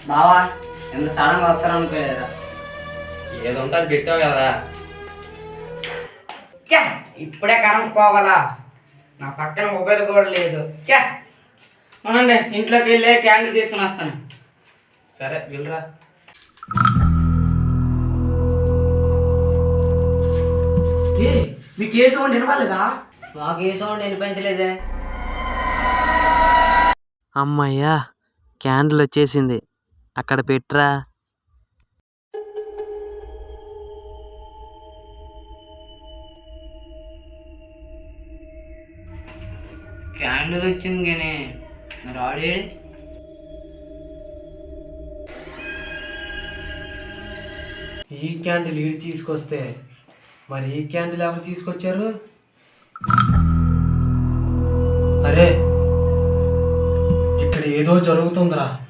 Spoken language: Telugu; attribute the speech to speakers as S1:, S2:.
S1: బావా ఎంత సడన్గా వస్తారనుకోలేదా?
S2: ఏదో ఉంటే అది పెట్టావు కదరా.
S1: చా ఇప్పుడే కరెంట్ పోవాలా? నా పక్కన మొబైల్ కూడా లేదు. చా అవునండి, ఇంట్లోకి వెళ్ళి క్యాండిల్ తీసుకుని వస్తాను.
S2: సరే వెళ్ళరా.
S3: మీకు ఏ సౌండ్ వినవాలేదా?
S1: మాకు ఏ సౌండ్ వినిపించలేదే.
S4: అమ్మయ్యా, క్యాండిల్ వచ్చేసింది. అక్కడ పెట్రా.
S1: క్యాండిల్ వచ్చింది కానీ మరి ఆడేది?
S3: ఈ క్యాండిల్ ఈడు తీసుకొస్తే మరి ఈ క్యాండిల్ ఎవరు తీసుకొచ్చారు? అరే, ఇక్కడ ఏదో జరుగుతుందిరా.